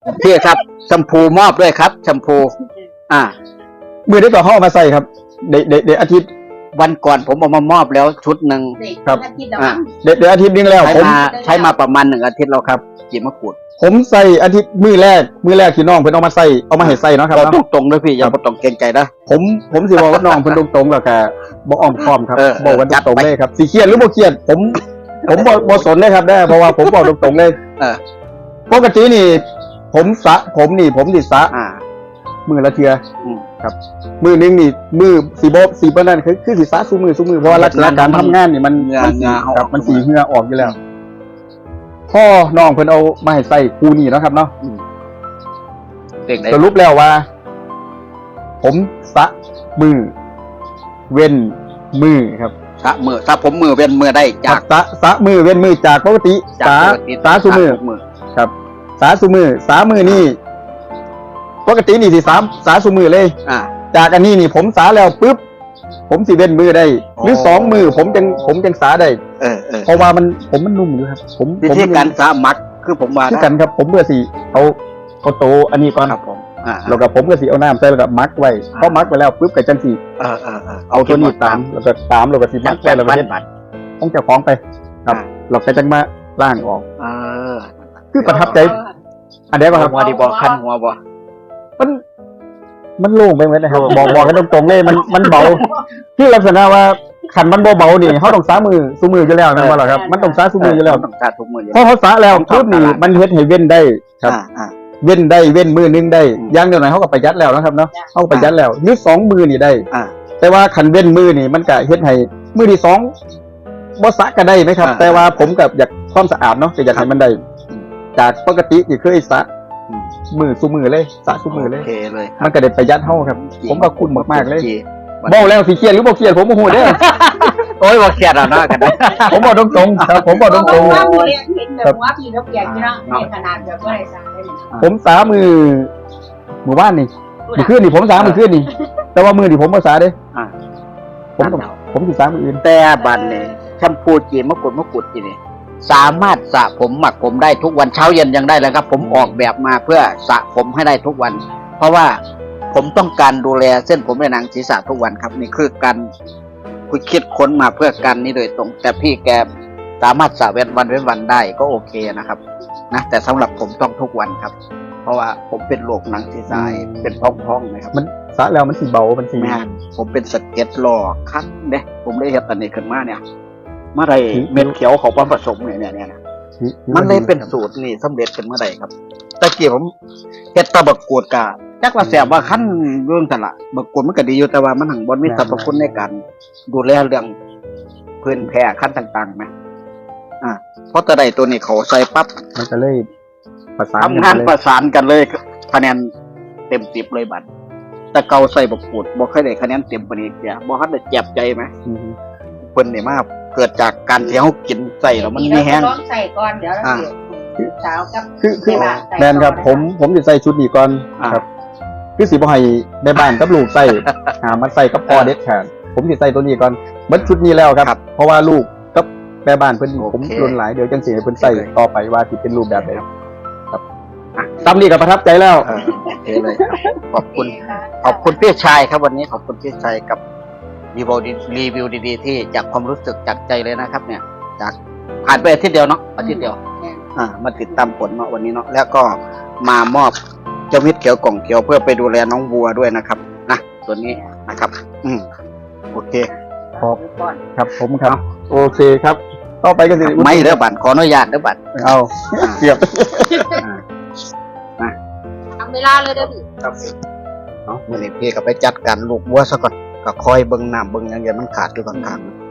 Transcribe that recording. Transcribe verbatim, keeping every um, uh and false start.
พี่ครับแชมพูมอบด้วยครับแชมพูอ่ามือได้ต่อห้อมาใส่ครับเดเดเดอาทิตย์วันก่อนผมเอามามอบแล้วชุดหนึ่งครับอ่าเดเดอาทิตย์นึงแล้วใช้ผมมาใช้มาประมาณหนึ่งอาทิตย์แล้วครับจีมะกรูดผมใส่อาทิตย์มือแรกมือแรกที่น้องเพิ่นเอามาใส่เอามาให้ใส่เนาะครับบอกเนาะตรงๆเลยพี่อย่าบอกตรงเกรงใจนะผมผมสิบอกว่าน้องเพิ่นตรงๆแล้วก็บ่อ้อมค้อมครับเออบอกกันจัดตรงไปๆเลยครับสิเครียดหรือบ่เครียดผม ผมบ่บ่สนเลยครับได้เพราะว่าผมบอกตรงๆเลยเออปกตินี่ ผมสระผมนี่ผมสิสระอ่ามือละเทื่ออืมครับมือหนึงนี่มือสีโบสีเปิ้นนั่นคือคือสิสระซุมือซุมือเพราะว่าลักษณะการทำงานนี่มันเหงื่อมันเหงื่อเอาครับออกมันสีเหงื่อออกอยู่แล้วพ่อน้องเพิ่นเอามาให้ใส่คู่นี่เนาะครับเนาะเด็กไหนสรุปแล้วว่า ผมสระมือ เว้นมือครับสระมือสระผมมือเป็นมือได้จากสระสระมือเว้นมือจากปกติจากสาปกติสาสุมือทุกมือครับ สาสุมือสามือนี่ปกตินี่สิสามสาสุมือเลยอ่าจากอันนี้นี่ผมสาแล้วปุ๊บผมสิเว้นมือได้ หรืออ๋อสองมือผมจังผมจังสาได้เออเออเพราะว่ามันผมมันนุ่มอยู่ครับ ผมวิผมธีการสระมักคือผมว่าคือนะกันครับ ผมเบื่อสิเอาเอาโตอันนี้ก่อนครับผมอ่าแล้วก็ผมก็สิเอาน้ำใส่แล้วก็มักไว้พอมักไปแล้วปุ๊บก็จังสิเออเออเออเอาตัวนี้ตามแล้วก็ตามแล้วก็สิมัมักกแบไว้บแล้วก็บ้านเฮ็ดบัดต้องเจ้าของไป ครับอ่าเราก็จังมาล่างออกเออคือประทับใจ อันนี้ป่ะครับหัวดีบอคันหัวบอมันมันโล่งไปหมดนะครับโล่งบอกบอกกันตรงๆเลยมันมันเบาที่ลักษณะว่าขันมันเบาๆนี่เขาต้องสามือสู้มืออยู่แล้วนะว่าหรอครับ มันต้องสาสู้มืออยู่แล้วต้องสระทุกมืออยู่เพราะเขาสาแล้วปุ๊บนี่มันเฮ็ดให้เว้นได้ครับอ่าอ่าเว้นได้เว้นมือนึงได้อืมอย่างเดียวหน่อยเขาก็ประหยัดแล้วนะครับเนาะเขาก็ประหยัดแล้วยืดสองมือนี่ได้อ่าแต่ว่าขันเว้นมือนี่มันก็เฮ็ดให้มือที่สองบ่สะก็ได้ไหมครับอ่าแต่ว่าผมกับอยากความสะอาดเนาะแต่อยากให้มันได้อืมจากปกติที่เคยสะอืมมือสู้มือเลยสะสู้มือเลยโอเคเลยมันก็ได้ประหยัดเฮาครับ ผมว่าคุ้มมากๆเลยจีบอกแล้วสิเครียดหรือบ่เครียดผมบ่ฮู้เด้อโอ้ยว่าเครียดแล้วนะกันนะผมบอกตรงๆครับผมบอกตรงว่าเรียนเห็นแบบว่าพี่เขาเปลี่ยนที่นั่งในขนาดแบบว่าอะไรสักได้เลยๆผมสามือหมู่บ้านนี่มื้อคืนนี่ผมสามื้อคืนนี่แต่ว่ามือนี่ผมบ่สาเด้อ่าผมต้องผมสิสามื้ออื่นแต่บันเนี่ยแชมพูจีมะกรูดมะกรูดจีนี่สามารถสระผมหมักผมได้ทุกวันเช้าเย็นยังได้เลยครับ ผมออกแบบมาเพื่อสระผมให้ได้ทุกวัน เพราะว่าผมต้องการดูแลเส้นผมในหนังศีรษะทุกวันครับ นี่คือการคุยคิดค้นมาเพื่อการนี้โดยตรง แต่พี่แกสามารถสระเว้นวันเว้นวันได้ก็โอเคนะครับนะแต่สำหรับผมต้องทุกวันครับ เพราะว่าผมเป็นโรคหนังศีรษะเป็นพองๆนะครับมันสาแล้วมันสิเบามันสิแม่นผมเป็นสะเก็ตหลอกคันเด้ผมได้เห็นอันนี้ขึ้นมาเนี่ยเมื่อไรเม็ดเขียวของความผสมเนี่ยเนี่ยเนี่ยนะมันเลยเป็นสูตรนี่สำเร็จเป็นเมื่อไรครับตะเกียบผมเฮ็ดตะบักกูดกะจักว่าแสบว่าคันเรื่องแต่ละบักกูดมันก็ดีอยู่แต่ว่ามันหังบนมีสรรพคุณในการดูแลเรื่องพื้นแพ้ขั้นต่างๆไหมอ่าเพราะตะไดตัวนี้เขาใส่ปั๊บมันก็เลยประสานทำงานกัประสานกันเลยคะแนนเต็มสิบเลยบัดแต่เกาใส่บักกูดบ่เคยได้คะแนนเต็มปานนี้จ้ะบ่ทันได้เจ็บใจไหมอืมเพิ่นนี่มาเกิดจากการที่เฮากินใส่แล้วมันไม่แห้งต้องใส่ก่อนเดี๋ยวเราเดี๋ยวสาวกับคือคือแม่บ้านใส่แมนครับผมผมจะใส่ชุดนี้ก่อนอ่าครับ คือสิบ่ให้แม่บ้านกับลูกใส่ หามันใส่กับพ่อเด็ดขาดผมสิใส่ตัวนี้ก่อนเบิดชุดนี้แล้วครับครับเพราะว่าลูกกับแม่บ้านเพิ่นโอเคผมรุนหลายเดี๋ยวจังสิให้เพิ่นใส่โอเคต่อไปว่าสิเป็นรูปแบบใดครับอ่ะตามนี้ก็ประทับใจแล้วเออโอเคเลยขอบคุณ ขอบคุณพี่ชายครับวันนี้ขอบคุณพี่ชายกับรีวิวดีรีวิวดีๆที่จากความรู้สึกจากใจเลยนะครับ เนี่ย จากผ่านไปอาทิตย์เดียวเนาะอาทิตย์เดียว อ่ามาติดตามผลเนาะวันนี้เนาะแล้วก็มามอบเจ้ามิตรเขียวกล่องเขียวเพื่อไปดูแลน้องวัวด้วยนะครับนะตัวนี้นะครับ อืมโอเคครับผมครับ โอเคครับ ต่อไปก็สิไม่เด้อบัตรขออนุญาตเด้อบัตรเอาอ่าเสียบอ่าทำเวลาเลยเด้อพี่ครับเนาะวันนี้พี่ก็ไปจัดการลูกวัวซะก่อนก็คอยเบิ่งน้ำเบิ่งอย่างเงี้ยมันขาดอยู่ข้างๆ